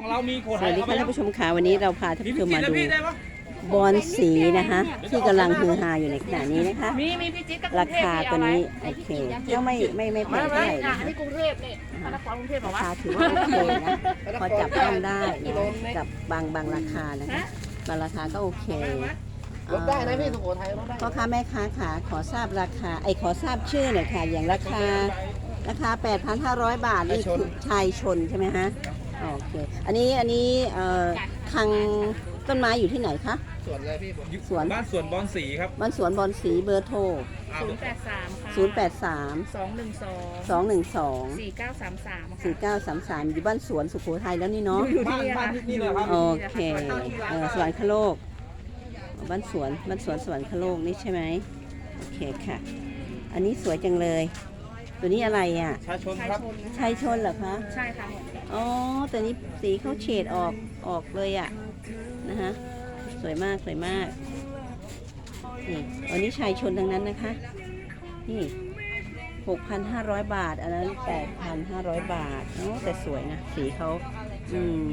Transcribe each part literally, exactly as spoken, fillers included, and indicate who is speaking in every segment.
Speaker 1: เรามีขวด
Speaker 2: สวัสดีค่ะท่านผู้ชมค่ะวันนี้เราพาท่านผู้ชมมาดูบอลสีนะคะที่กำลังฮือฮาอยู่ในขณะนี้นะคะ
Speaker 3: มีมีพี่จิ๊กกับ
Speaker 2: ราคาตัวนี้โอเคก็ไม่ไม่ไม่แพงเท่าไหร่
Speaker 3: อ่ะ
Speaker 2: นะคะ
Speaker 3: ที่กรุงเทพนี่นครกรุงเทพบอ
Speaker 2: ราก
Speaker 3: ว่า
Speaker 2: คาถือว่าโอเคนะพอจับต้องได้นะกับบางบางราคานะคะบางราคาก็โอเค
Speaker 4: ลดได้นะพี่สุโขทัยลดได้
Speaker 2: พ่อค้าแม่ค้าค่ะขอทราบราคาไอขอทราบชื่อหน่อยค่ะอย่างราคาราคา แปดพันห้าร้อย บาทนี่คือชายชนใช่ไหมฮะโอเคอันนี้อันนี้เอ่อทางต้นไม้อยู่ที่ไหนคะ
Speaker 4: ส่วนอะไรพี่
Speaker 2: สวน
Speaker 1: บ้านสวนบอลสีครับ
Speaker 2: บ้านสวนบอนสีเบอร์โทร
Speaker 3: ศูนย์แปดสามค่ะ
Speaker 2: ศูนย์ แปด สาม
Speaker 3: สองหนึ่งสอง
Speaker 2: สอง หนึ่ง สอง
Speaker 3: สี่เก้าสามสาม
Speaker 2: สี่ เก้า สาม สามอยู่บ้านสวนสุโขทัยแล้วนี่เนาะ
Speaker 3: อยู่
Speaker 1: บ้า
Speaker 3: ที่
Speaker 1: น
Speaker 3: นี่
Speaker 1: บ้า
Speaker 3: ค่ะ
Speaker 1: นที่นี่เลยครับ
Speaker 2: โอเคเออสวรรคโลกบ้านสวนบ้านสวนสวรรคโลกนี่ใช่ไหมโอเคค่ะ อันนี้สวยจังเลย ตัวนี้อะไรอ่ะ
Speaker 1: ชาชน
Speaker 3: ชาย
Speaker 1: ครับ
Speaker 3: ชนนะ
Speaker 2: ชายชนเหรอคะ
Speaker 3: ใช่ค่ะ
Speaker 2: อ๋อแต่นี้สีเขาเฉดออกออกเลยอ่ะนะฮะสวยมากสวยมากนี่อันนี้ชายชนทั้งนั้นนะคะนี่ หกพันห้าร้อย บาทอันนั้น แปดพันห้าร้อย บาทโอ้แต่สวยนะสีเขาอืม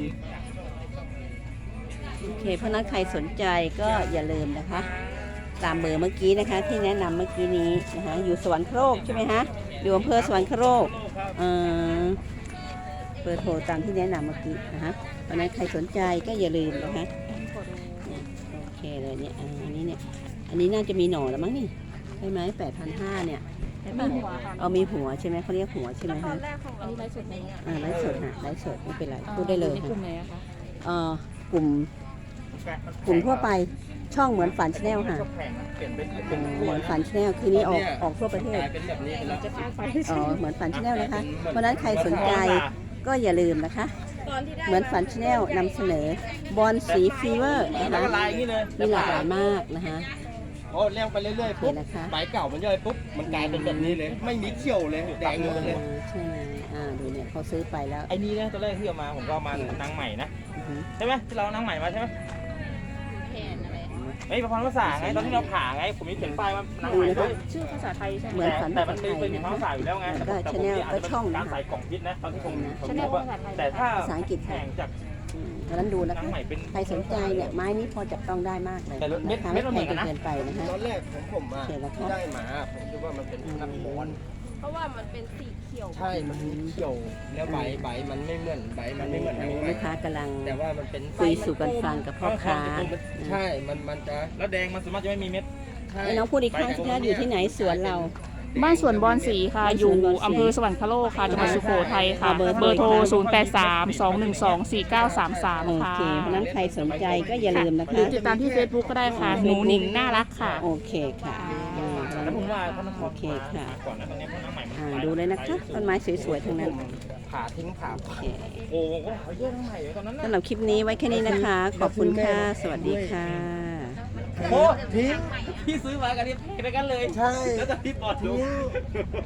Speaker 2: โอเคเพราะนั้นใครสนใจก็อย่าลืมนะคะ ตามเบอร์เมื่อกี้นะคะ ที่แนะนำเมื่อกี้นี้นะคะอยู่สวรรคโลกใช่ไหมคะอยู่อำเภอสวรรคโลกเอ่อเบอร์โทรตามที่แนะนำเมื่อกี้นะคะเพราะนั้นใครสนใจก็อย่าลืมนะคะโอเคเลยเนี่ยอ่าอันนี้เนี่ยอันนี้น่าจะมีหน่อแล้วมั้งนี่ใช่ไหมแปดพันห้าเนี่ยใช่ปะเอามีหัวใช่ไหมเขาเรียกหัวใช่ไหม
Speaker 3: ตอ
Speaker 2: คะ
Speaker 3: นแรกของเราอันนี้ไลฟ์สดไหมอ่ะ
Speaker 2: อ่าไลฟ์สดค่ะไลฟ์สดไม่เป็นไรพูดได้เลย
Speaker 3: ใน
Speaker 2: ค่ะ
Speaker 3: กลุ่มไหนอะคะ
Speaker 2: เอ่อกลุ่มกลุ่มทั่วไปช่องเหมือนฝันชาแนลค่ะ
Speaker 1: เปลี่ยนเป็น
Speaker 2: เอ่อเหมือนฝันชาแนลคือนี้ออกออกทั่วประเทศ
Speaker 4: กลายเป็นแบบนี้ไปแล้ว
Speaker 3: จะพาไป
Speaker 2: อ๋อเหมือนฝันชาแนลนะคะ เพราะฉะนั้นใครสนใจก็อย่าลืมนะคะ เหมือนฝันชาแนลนำเสนอบอลสีฟีเวอร์นะ
Speaker 1: แล้ว
Speaker 2: คะ
Speaker 1: ก็ลายอย่างนี้เลย
Speaker 2: มีหลากหลายมากนะคะ
Speaker 4: โอ้เลี้ยงไปเรื่อยๆปุ๊บ
Speaker 2: โอเคนะคะ
Speaker 4: ใบเก่ามันย่อยปุ๊บมันกลายเป็นแบบนี้เลย ไม่มีเขี้ยวเลยแดงหมดเลย
Speaker 2: ใช่ไหมอ่าดูเนี่ยเขาซื้อไปแล้ว
Speaker 1: ไอ้นี่นะตัวแรกที่เอามาผมก็เอามานางใหม่นะ
Speaker 2: อือหือ
Speaker 1: ใช่ไหมที่เราเอานางใหม่มาใช่ไหม
Speaker 3: แทนอะไร
Speaker 1: ไอ้ประพันธ์ภาษาไงตอนที่เราผ่าไงผมมีเขียนป้ายว่านางใหม่ด้วย
Speaker 3: ชื่อภาษาไทยใช่ไหม
Speaker 2: เหมือนฝัน
Speaker 1: แต่
Speaker 2: ภา
Speaker 1: มัน
Speaker 2: ษาไท
Speaker 1: เป็น
Speaker 2: ย
Speaker 1: เป็น
Speaker 2: นะ
Speaker 1: ภาษาอยู่แล้วไง
Speaker 2: แล้วก็
Speaker 1: แต่ผม
Speaker 2: channel
Speaker 1: อาจจะ
Speaker 2: ก็ช่อง
Speaker 1: เป็น
Speaker 2: นะ
Speaker 1: การใส่กล่องพิษนะตอนที่ผมผม
Speaker 3: ชาแนล
Speaker 1: บอกว่า
Speaker 3: ภาษาไทย
Speaker 1: แต่ถ้า
Speaker 2: ภาษาอังกฤษ
Speaker 1: แข่
Speaker 2: ค่ะ
Speaker 1: งจาก
Speaker 2: อืมเพราะฉะนั้นดูนะ
Speaker 1: นาง
Speaker 2: คะ
Speaker 1: ใหม่เป็น
Speaker 2: ใครสนใจเนี่ยไม้นี้พอจับต้องได้มากเลย
Speaker 1: แต่เม็ด
Speaker 2: นะคะ
Speaker 1: เม็
Speaker 2: ไม่
Speaker 1: ดมัน
Speaker 2: แพ
Speaker 1: เหมื
Speaker 2: ง
Speaker 1: อน
Speaker 2: จ
Speaker 1: กัน
Speaker 2: น
Speaker 1: นะ
Speaker 2: เกินไปนะคะ
Speaker 4: ตอนแรกผมผมอ่ะ
Speaker 2: โอเคแล้วครับ
Speaker 4: ที่ได้มาผมคิดว่ามันเป็นนักบอล
Speaker 3: เพราะว่ามันเป็นสีเขียว
Speaker 4: ใช่มันมีเขี้ยวแล้วใบใบมันไม่เหมือนใบมันไม่เหมือน
Speaker 2: อัน
Speaker 4: นาง
Speaker 2: นี้
Speaker 4: ใหม่
Speaker 2: ลูกค้ากำลัง
Speaker 4: แต่ว่ามันเป็น
Speaker 2: คุยสู่กันฟังกับพ่อค้า
Speaker 4: ใช่มันมันจะ
Speaker 1: แล้วแดงมันสามารถจะไม่มีเม็ด
Speaker 4: ใช่
Speaker 2: ไอ้น้องพูดอีกครั้งสิคะอยู่ที่ไหนสวนเรา
Speaker 3: บ้านสวนบอนสีค่ะ
Speaker 2: บ้านส
Speaker 3: อยู่
Speaker 2: วนบอนสี
Speaker 3: อำเภอสวรรคโลกค่ะจังหวัดสุโขทัยค่ะ
Speaker 2: เอาเบอร์โทร
Speaker 3: เบอร์โทร ศูนย์ แปด สาม สอง หนึ่ง สอง สี่ เก้า สาม สาม
Speaker 2: โอ
Speaker 3: ค่ะ
Speaker 2: เค เพราะฉะนั้นใครสนใจก็อย่าลืมนะ
Speaker 3: หรื
Speaker 2: คะ
Speaker 3: อติดตามที่ Facebook ก็ได้ค่ะ หนูหนิงน่ารักค่ะ
Speaker 2: โอเคค่ะอ่า
Speaker 1: แล้วผมว่าพระนคร
Speaker 2: โอเคค่ะ
Speaker 1: ก่อนนะตอนนี้พระนางใหม่มัน
Speaker 2: อ่าดูเลยนะคะต้นไม้สวยๆทั้งนั้น
Speaker 4: ผ่าทิ้งผ่า
Speaker 2: โอเค
Speaker 1: โอ้โหเขาเยอะนางใหม่เลยตอนนั้นนะ
Speaker 2: สำหรับคลิปนี้ไว้แค่นี้นะคะ ขอบคุณค่ะ สวัสดีค่ะ
Speaker 1: โอ้ทิ้งพี่ซื้อมากันนี่ไปกันเลย
Speaker 4: ใช่
Speaker 1: แล้วจะพี่ปลอด
Speaker 4: ทิ้
Speaker 1: ลู
Speaker 4: ง
Speaker 1: ก